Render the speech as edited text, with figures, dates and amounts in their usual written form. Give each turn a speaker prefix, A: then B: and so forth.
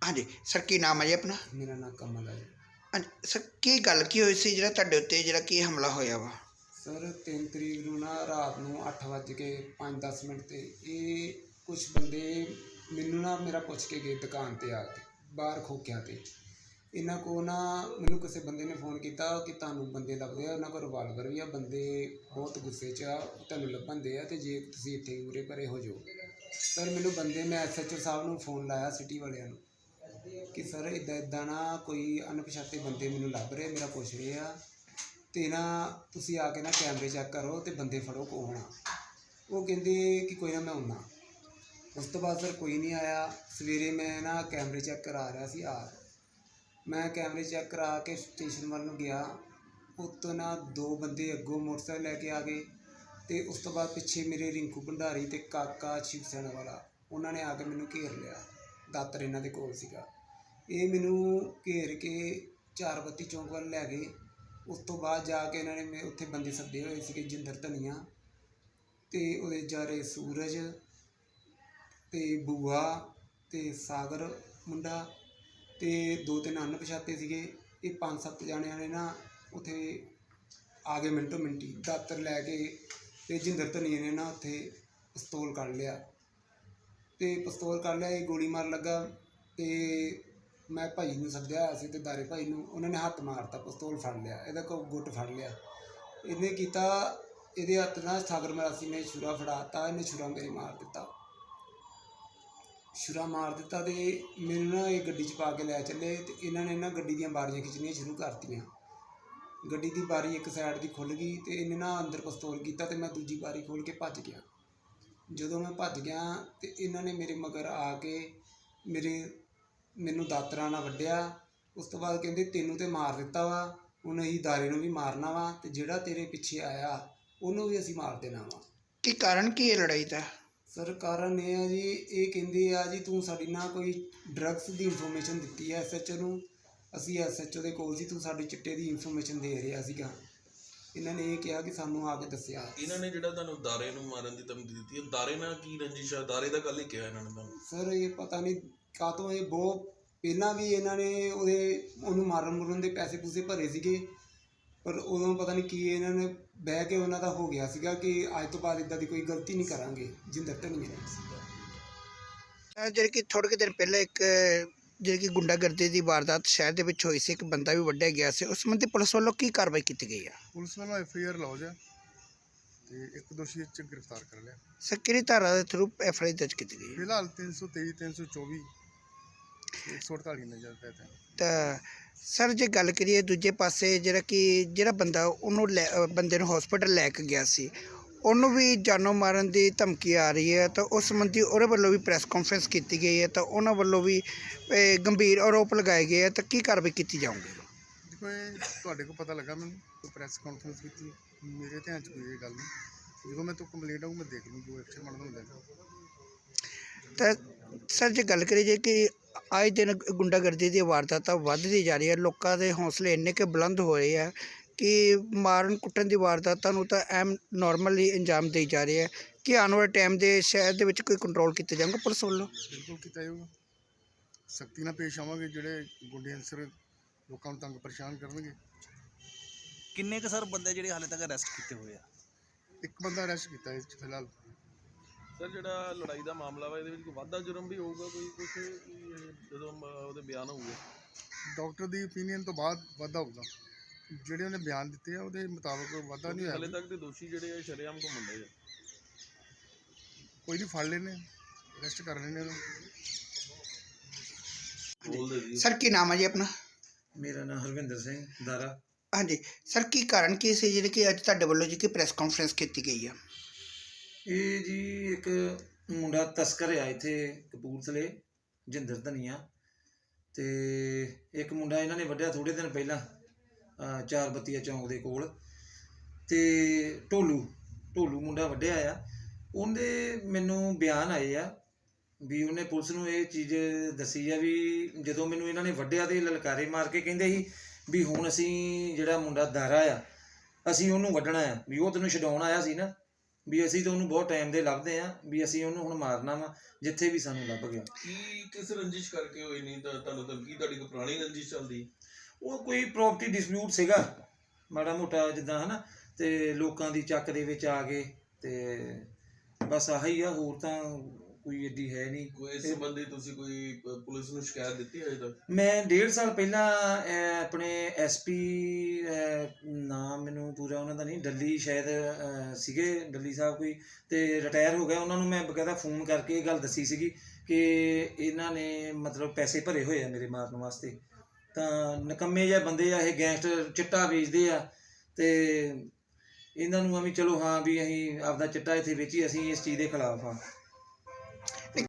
A: हाँ जी सर की नाम है जी अपना?
B: मेरा नाम कमल है।
A: हाँ जी सर की गल की हुई सी जिहड़ा तुहाडे उत्ते जिहड़ा की हमला होया वा?
B: सर 3 तरीक ਨੂੰ ਨਾ ਰਾਤ ਨੂੰ 8:05-10 ਤੇ ਇਹ ਕੁਝ ਬੰਦੇ ਮੈਨੂੰ ਨਾ ਮੇਰਾ ਪੁੱਛ ਕੇ ਗਏ ਦੁਕਾਨ ਤੇ ਆ ਕੇ ਬਾਹਰ ਖੋਕਿਆਂ ਤੇ। ਇਹਨਾਂ ਕੋ ਨਾ ਮੈਨੂੰ ਕਿਸੇ ਬੰਦੇ ਨੇ ਫੋਨ ਕੀਤਾ ਕਿ ਤੁਹਾਨੂੰ ਬੰਦੇ ਲੱਭਦੇ ਆ, ਉਹਨਾਂ ਕੋਲ ਰਿਵਾਲਵਰ ਵੀ ਆ, ਬੰਦੇ ਬਹੁਤ ਗੁੱਸੇ 'ਚ ਆ, ਤੁਹਾਨੂੰ ਲੱਭਣ ਦੇ ਆ ਤੇ ਜੇ ਤੁਸੀਂ ਇੱਥੇ ਉਰੇ ਪਰੇ ਹੋ ਜਾਓ। ਸਰ ਮੈਨੂੰ ਬੰਦੇ ਮੈਂ SHO ਸਾਹਿਬ ਨੂੰ ਫੋਨ ਲਾਇਆ ਸਿਟੀ ਵਾਲਿਆਂ ਨੂੰ ਕਿ ਸਰ ਇੱਦਾਂ ਨਾ ਕੋਈ ਅਣਪਛਾਤੇ ਬੰਦੇ ਮੈਨੂੰ ਲੱਭ ਰਹੇ, ਮੇਰਾ ਪੁੱਛ ਰਹੇ ਆ ਤੇ ਨਾ ਤੁਸੀਂ ਆ ਕੇ ਨਾ ਕੈਮਰੇ ਚੈੱਕ ਕਰੋ ਤੇ ਬੰਦੇ ਫੜੋ ਕੌਣ ਆ। ਉਹ ਕਹਿੰਦੇ ਕਿ ਕੋਈ ਨਾ ਮੈਂ ਆਉਣਾ। ਉਸ ਤੋਂ ਬਾਅਦ ਸਰ ਕੋਈ ਨਹੀਂ ਆਇਆ। ਸਵੇਰੇ ਮੈਂ ਨਾ ਕੈਮਰੇ ਚੈੱਕ ਕਰਾ ਰਿਹਾ ਸੀ ਮੈਂ ਕੈਮਰੇ ਚੈੱਕ ਕਰਾ ਕੇ ਸਟੇਸ਼ਨ ਵੱਲ ਨੂੰ ਗਿਆ। ਉੱਤੋਂ ਨਾ 2 ਬੰਦੇ ਅੱਗੋਂ ਮੋਟਰਸਾਈਕਲ ਲੈ ਕੇ ਆ ਗਏ ਤੇ ਉਸ ਤੋਂ ਬਾਅਦ ਪਿੱਛੇ ਮੇਰੇ ਰਿੰਕੂ ਭੰਡਾਰੀ ਤੇ ਕਾਕਾ ਸ਼ਿਵ ਸੈਨਾ ਵਾਲਾ, ਉਹਨਾਂ ਨੇ ਆ ਕੇ ਮੈਨੂੰ ਘੇਰ ਲਿਆ। ਦਾਤਰ ਇਹਨਾਂ ਦੇ ਕੋਲ ਸੀਗਾ। ਇਹ ਮੈਨੂੰ ਘੇਰ ਕੇ 4 ਬੱਤੀ ਚੌਂਕ ਵੱਲ ਲੈ ਗਏ। ਉਸ ਤੋਂ ਬਾਅਦ ਜਾ ਕੇ ਇਹਨਾਂ ਨੇ ਉੱਥੇ ਬੰਦੇ ਸੱਦੇ ਹੋਏ ਸੀਗੇ, ਜਿੰਦਰ ਧਨੀਆ ਤੇ ਉਹਦੇ ਜਾਰੇ ਸੂਰਜ ਤੇ ਬੂਆ ਤੇ ਸਾਗਰ ਮੁੰਡਾ ਤੇ 2-3 ਅਣਪਛਾਤੇ ਸੀਗੇ। ਇਹ 5-7 ਜਾਣਿਆਂ ਨੇ ਨਾ ਉੱਥੇ ਆ ਗਏ ਮਿੰਟੋ ਮਿੰਟੀ ਦਾਤਰ ਲੈ ਕੇ ਤੇ ਜਿੰਦਰ ਧਨੀਆ ਨੇ ਨਾ ਉੱਥੇ ਪਿਸਤੌਲ ਕੱਢ ਲਿਆ ਤੇ ਪਿਸਤੌਲ ਕੱਢ ਲਿਆ। ਇਹ ਗੋਲੀ ਮਾਰ ਲੱਗਾ ਤੇ ਮੈਂ ਭਾਈ ਨੂੰ ਸੱਦਿਆ ਹੋਇਆ ਸੀ ਤੇ ਦਾਰੇ ਭਾਈ ਨੂੰ, ਉਹਨਾਂ ਨੇ ਹੱਥ ਮਾਰਤਾ, ਪਿਸਤੌਲ ਫੜ ਲਿਆ, ਇਹਦਾ ਗੁੱਟ ਫੜ ਲਿਆ। ਇਹਨੇ ਕੀਤਾ, ਇਹਦੇ ਹੱਥ ਨਾਲ ਸਾਗਰ ਮਰਾਸੀ ਨੇ ਛੁਰਾ ਫੜਾਤਾ, ਇਹਨੇ ਛੁਰਾ ਮੇਰੇ ਮਾਰ ਦਿੱਤਾ ਤੇ ਮੈਨੂੰ ਨਾ ਇਹ ਗੱਡੀ 'ਚ ਪਾ ਕੇ ਲੈ ਚੱਲੇ ਤੇ ਇਹਨਾਂ ਨੇ ਨਾ ਗੱਡੀ ਦੀਆਂ ਬਾਰੀਆਂ ਖਿੱਚਣੀਆਂ ਸ਼ੁਰੂ ਕਰਤੀਆਂ। ਗੱਡੀ ਦੀ ਬਾਰੀ ਇੱਕ ਸਾਈਡ ਦੀ ਖੁੱਲ੍ਹ ਗਈ ਤੇ ਇਹਨੇ ਨਾ ਅੰਦਰ ਪਿਸਤੌਲ ਕੀਤਾ ਤੇ ਮੈਂ ਦੂਜੀ ਬਾਰੀ ਖੋਲ੍ਹ ਕੇ ਭੱਜ ਗਿਆ। ਜਦੋਂ ਮੈਂ ਭੱਜ ਗਿਆ ਤੇ ਇਹਨਾਂ ਨੇ ਮੇਰੇ ਮਗਰ ਆ ਕੇ ਮੈਨੂੰ ਦਾਤਰਾਂ ਨਾਲ ਵੱਢਿਆ। ਉਸ ਤੋਂ ਬਾਅਦ ਕਹਿੰਦੇ ਤੈਨੂੰ ਤੇ ਮਾਰ ਦਿੱਤਾ ਵਾ, ਹੁਣ ਅਸੀਂ ਦਾਰੇ ਨੂੰ ਵੀ ਮਾਰਨਾ ਵਾ ਤੇ ਜਿਹੜਾ ਤੇਰੇ ਪਿੱਛੇ ਆਇਆ ਉਹਨੂੰ ਵੀ ਅਸੀਂ ਮਾਰ ਦੇਣਾ ਵਾ।
A: ਕੀ ਕਾਰਨ ਕੀ ਹੈ ਲੜਾਈ ਦਾ?
B: ਸਰ ਕਾਰਨ ਇਹ ਆ ਜੀ, ਇਹ ਕਹਿੰਦੇ ਆ ਜੀ ਤੂੰ ਸਾਡੀ ਨਾ ਕੋਈ ਡਰੱਗਸ ਦੀ ਇਨਫੋਰਮੇਸ਼ਨ ਦਿੱਤੀ ਹੈ SHO ਨੂੰ, ਅਸੀਂ SHO ਦੇ ਕੋਲ ਸੀ, ਤੂੰ ਸਾਡੀ ਚਿੱਟੇ ਦੀ ਇਨਫੋਰਮੇਸ਼ਨ ਦੇ ਰਿਹਾ ਸੀਗਾ। ਇਹਨਾਂ ਨੇ ਇਹ ਕਿਹਾ ਕਿ ਸਾਨੂੰ ਆ ਕੇ ਦੱਸਿਆ।
C: ਇਹਨਾਂ ਨੇ ਜਿਹੜਾ ਤੁਹਾਨੂੰ ਦਾਰੇ ਨੂੰ ਮਾਰਨ ਦੀ ਧਮਕੀ ਦਿੱਤੀ ਹੈ, ਦਾਰੇ ਨਾਲ ਕੀ ਰੰਜਿਸ਼ ਆ? ਦਾਰੇ ਦਾ ਗੱਲ ਹੀ ਕਿਹਾ ਇਹਨਾਂ ਨੇ ਤੁਹਾਨੂੰ?
B: ਸਰ ਇਹ ਪਤਾ ਨਹੀਂ ਕਾਹਤੋਂ, ਇਹ ਬਹੁਤ ਪਹਿਲਾਂ ਵੀ ਇਹਨਾਂ ਨੇ ਉਹਨੂੰ ਮਾਰਨ ਦੇ ਪੈਸੇ ਪੂਸੇ ਭਰੇ ਸੀਗੇ, ਪਰ ਉਦੋਂ ਪਤਾ ਨਹੀਂ ਕੀ ਇਹਨਾਂ ਨੇ ਬਹਿ ਕੇ ਉਹਨਾਂ ਦਾ ਹੋ ਗਿਆ ਸੀਗਾ ਕਿ ਅੱਜ ਤੋਂ ਬਾਅਦ ਇੱਦਾਂ ਦੀ ਕੋਈ ਗਲਤੀ ਨਹੀਂ ਕਰਾਂਗੇ। ਜਿੰਦਰ ਧਨੀਆ ਨੇ ਸੀਗਾ।
A: ਜਿਹੜੇ ਕਿ ਥੋੜ੍ਹੇ ਕੁ ਦਿਨ ਪਹਿਲਾਂ ਇੱਕ ਜਿਹੜੀ ਕਿ ਗੁੰਡਾਗਰਦੀ ਦੀ ਵਾਰਦਾਤ ਸ਼ਹਿਰ ਦੇ ਵਿੱਚ ਹੋਈ ਸੀ, ਇੱਕ ਬੰਦਾ ਵੀ ਵੱਢਿਆ ਗਿਆ ਸੀ, ਉਸ ਸੰਬੰਧੀ ਪੁਲਿਸ ਵੱਲੋਂ ਕੀ ਕਾਰਵਾਈ ਕੀਤੀ ਗਈ ਆ?
D: ਪੁਲਿਸ ਵੱਲੋਂ FIR ਲੌਜ ਹੈ ਤੇ ਇੱਕ ਦੋਸ਼ੀ ਚ ਗ੍ਰਿਫਤਾਰ ਕਰ ਲਿਆ।
A: ਸਰ ਕਿਹੜੀ ਧਾਰਾ ਦੇ ਥਰੂ FIR ਦਰਜ ਕੀਤੀ ਗਈ?
D: ਫਿਲਹਾਲ 323 324 148 ਨਜ਼ਰ ਪਏ ਤੇ।
A: ਤਾਂ ਸਰ ਜੇ ਗੱਲ ਕਰੀਏ ਦੂਜੇ ਪਾਸੇ ਜਿਹੜਾ ਬੰਦਾ ਉਹਨੂੰ ਬੰਦੇ ਨੂੰ ਹਸਪੀਟਲ ਲੈ ਕੇ ਗਿਆ ਸੀ, ਉਹਨੂੰ ਵੀ ਜਾਨੋਂ ਮਾਰਨ ਦੀ ਧਮਕੀ ਆ ਰਹੀ ਹੈ, ਤਾਂ ਉਸ ਸੰਬੰਧੀ ਉਹਦੇ ਵੱਲੋਂ ਵੀ ਪ੍ਰੈਸ ਕਾਨਫਰੰਸ ਕੀਤੀ ਗਈ ਹੈ, ਤਾਂ ਉਹਨਾਂ ਵੱਲੋਂ ਵੀ ਗੰਭੀਰ ਆਰੋਪ ਲਗਾਏ ਗਏ ਹੈ, ਤਾਂ ਕੀ ਕਾਰਵਾਈ ਕੀਤੀ ਜਾਊਗੀ?
D: ਦੇਖੋ ਇਹ ਤੁਹਾਡੇ ਕੋਲ ਪਤਾ ਲੱਗਾ ਮੈਨੂੰ ਕੋਈ ਪ੍ਰੈਸ ਕਾਨਫਰੰਸ ਕੀਤੀ, ਮੇਰੇ ਧਿਆਨ 'ਚ ਕੋਈ ਇਹ ਗੱਲ ਨਹੀਂ। ਜਦੋਂ ਮੈਂ ਤੋਂ ਕੰਪਲੇਂਟ ਆਊ ਮੈਂ ਦੇਖ ਲੂੰ ਜੋ ਐਕਸ਼ਨ ਬਣਦਾ ਹੁੰਦਾ।
A: ਤਾਂ ਸਰ ਜੇ ਗੱਲ ਕਰੀਏ ਕਿ ਆਏ ਦਿਨ ਗੁੰਡਾਗਰਦੀ ਦੀ ਵਾਰਦਾਤਾਂ ਵੱਧਦੀ ਜਾ ਰਹੀ ਹੈ, ਲੋਕਾਂ ਦੇ ਹੌਸਲੇ ਇੰਨੇ ਕੁ ਬੁਲੰਦ ਹੋਏ ਆ ਕਿ ਮਾਰਨ ਕੁੱਟਣ ਦੀ ਵਾਰਦਾਤਾਂ ਨੂੰ ਤਾਂ ਐਮ ਨੋਰਮਲੀ ਅੰਜਾਮ ਦੇਈ ਜਾ ਰਹੇ ਹੈ। ਕਿ ਆਉਣ ਵਾਲੇ ਟਾਈਮ ਦੇ ਸ਼ਹਿਰ ਦੇ ਵਿੱਚ ਕੋਈ ਕੰਟਰੋਲ ਕੀਤਾ ਜਾਊਗਾ ਪੁਲਿਸ ਵੱਲੋਂ?
D: ਬਿਲਕੁਲ ਕੀਤਾ ਜਾਊਗਾ, ਸਖਤੀ ਨਾਲ ਪੇਸ਼ ਆਵਾਂਗੇ। ਜਿਹੜੇ ਗੁੰਡੇ ਅਨਸਰ ਲੋਕਾਂ ਨੂੰ ਤੰਗ ਪਰੇਸ਼ਾਨ ਕਰਨਗੇ।
E: ਕਿੰਨੇ ਕੁ ਸਰ ਬੰਦੇ ਜਿਹੜੇ ਹਾਲੇ ਤੱਕ ਅਰੈਸਟ ਕੀਤੇ ਹੋਏ ਆ?
D: ਇੱਕ ਬੰਦਾ ਅਰੈਸਟ ਕੀਤਾ ਇਸ 'ਚ ਫਿਲਹਾਲ।
C: ਸਰ ਜਿਹੜਾ ਲੜਾਈ ਦਾ ਮਾਮਲਾ ਵਾ, ਇਹਦੇ ਵਿੱਚ ਕੋਈ ਵਾਧਾ ਜੁਰਮ ਵੀ ਹੋਊਗਾ ਕੁਛ ਜਦੋਂ ਉਹਦੇ ਬਿਆਨ ਹੋਊਗੇ?
D: ਡਾਕਟਰ ਦੀ ਓਪੀਨੀਅਨ ਤੋਂ ਬਾਅਦ ਵਾਧਾ ਹੋਊਗਾ। ਜਿਹੜੇ ਉਹਨੇ ਬਿਆਨ ਦਿੱਤੇ ਆ ਉਹਦੇ ਮੁਤਾਬਕ ਵਾਧਾ ਨਹੀਂ ਹੋਇਆ।
C: ਹਾਲੇ ਤੱਕ ਦੇ ਦੋਸ਼ੀ ਜਿਹੜੇ ਆ ਸ਼ਰੇਆਮ ਘੁੰਮਣ ਦੇ ਆ।
D: ਕੋਈ ਨਹੀਂ, ਫੜ ਲੈਣੇ, ਅਰੈਸਟ ਕਰ ਲੈਣੇ ਉਹਨੂੰ।
A: ਸਰ ਕੀ ਨਾਮ ਹੈ ਜੀ ਆਪਣਾ?
F: ਮੇਰਾ ਨਾਮ ਹਰਵਿੰਦਰ ਸਿੰਘ ਦਾਰਾ।
A: ਹਾਂਜੀ ਸਰ ਕੀ ਕਾਰਨ ਕੀ ਸੀ ਜਿਹੜੇ ਕਿ ਅੱਜ ਤੁਹਾਡੇ ਵੱਲੋਂ ਜੀ ਕਿ ਪ੍ਰੈਸ ਕਾਨਫਰੰਸ ਕੀਤੀ ਗਈ ਆ?
F: ਇਹ ਜੀ ਇੱਕ ਮੁੰਡਾ ਤਸਕਰ ਆ ਇੱਥੇ ਕਪੂਰਥਲੇ, ਜਿੰਦਰ ਧਨੀਆ, ਤੇ ਇੱਕ ਮੁੰਡਾ ਇਹਨਾਂ ਨੇ ਵੱਢਿਆ ਥੋੜ੍ਹੇ ਦਿਨ ਪਹਿਲਾਂ 4 ਬੱਤੀਆ ਚੌਂਕ ਦੇ ਕੋਲ, ਤੇ ਢੋਲੂ ਮੁੰਡਾ ਵੱਢਿਆ ਆ। ਉਹਦੇ ਮੈਨੂੰ ਬਿਆਨ ਆਏ ਆ ਵੀ ਉਹਨੇ ਪੁਲਿਸ ਨੂੰ ਇਹ ਚੀਜ਼ ਦੱਸੀ ਆ ਵੀ ਜਦੋਂ ਮੈਨੂੰ ਇਹਨਾਂ ਨੇ ਵੱਢਿਆ ਤੇ ਲਲਕਾਰੇ ਮਾਰ ਕੇ ਕਹਿੰਦੇ ਸੀ ਵੀ ਹੁਣ ਅਸੀਂ ਜਿਹੜਾ ਮੁੰਡਾ ਦਾਰਾ ਆ ਅਸੀਂ ਉਹਨੂੰ ਵੱਢਣਾ ਆ, ਵੀ ਉਹ ਤੈਨੂੰ ਛਡਾਉਣ ਆਇਆ ਸੀ ਨਾ, ਵੀ ਅਸੀਂ ਤਾਂ ਉਹਨੂੰ ਬਹੁਤ ਟਾਈਮ ਦੇ ਲੱਭਦੇ ਆ ਵੀ ਅਸੀਂ ਉਹਨੂੰ ਹੁਣ ਮਾਰਨਾ ਵਾ ਜਿੱਥੇ ਵੀ ਸਾਨੂੰ ਲੱਭ ਗਿਆ।
C: ਕੀ ਕਿਸ ਰੰਜਿਸ਼ ਕਰਕੇ ਹੋਈ ਨਹੀਂ ਤਾਂ ਤੁਹਾਨੂੰ ਧਮਕੀ, ਤੁਹਾਡੀ ਕੋਈ ਪੁਰਾਣੀ ਰੰਜਿਸ਼ ਚੱਲਦੀ?
F: ਉਹ ਕੋਈ ਪ੍ਰੋਪਰਟੀ ਡਿਸਪਿਊਟ ਸੀਗਾ ਮਾੜਾ ਮੋਟਾ ਜਿੱਦਾਂ ਹਨਾ, ਤੇ ਲੋਕਾਂ ਦੀ ਚੱਕ ਦੇ ਵਿੱਚ ਆ ਗਏ ਤੇ ਬਸ ਆਹੀ ਆ, ਹੋਰ ਤਾਂ ਕੋਈ ਏਡੀ ਹੈ ਨਹੀਂ।
C: ਕੋਈ ਇਸ ਸੰਬੰਧੀ ਤੁਸੀਂ ਕੋਈ ਪੁਲਿਸ ਨੂੰ ਸ਼ਿਕਾਇਤ ਦਿੱਤੀ ਹੈ ਤੱਕ?
F: ਮੈਂ 1.5 ਸਾਲ ਪਹਿਲਾਂ ਆਪਣੇ ਐਸਪੀ, ਨਾਮ ਮੈਨੂੰ ਪੂਰਾ ਉਹਨਾਂ ਦਾ ਨਹੀਂ, ਡੱਲੀ ਸ਼ਾਇਦ ਸੀਗੇ, ਡੱਲੀ ਸਾਹਿਬ ਕੋਈ, ਤੇ ਰਿਟਾਇਰ ਹੋ ਗਿਆ, ਉਹਨਾਂ ਨੂੰ ਮੈਂ ਬਕਾਇਦਾ ਫੋਨ ਕਰਕੇ ਇਹ ਗੱਲ ਦੱਸੀ ਸੀਗੀ ਕਿ ਇਹਨਾਂ ਨੇ ਮਤਲਬ ਪੈਸੇ ਭਰੇ ਹੋਏ ਆ ਮੇਰੇ ਮਾਰਨ ਵਾਸਤੇ, ਤਾਂ ਨਿਕੰਮੇ ਜਿਹੇ ਬੰਦੇ ਆ ਇਹ, ਗੈਂਗਸਟਰ ਚਿੱਟਾ ਵੇਚਦੇ ਆ, ਤੇ ਇਹਨਾਂ ਨੂੰ ਆ ਵੀ ਚਲੋ ਹਾਂ ਵੀ ਅਸੀਂ ਆਪਦਾ ਚਿੱਟਾ ਇੱਥੇ ਵੇਚੀ, ਅਸੀਂ ਇਸ ਚੀਜ਼ ਦੇ ਖਿਲਾਫ ਆ।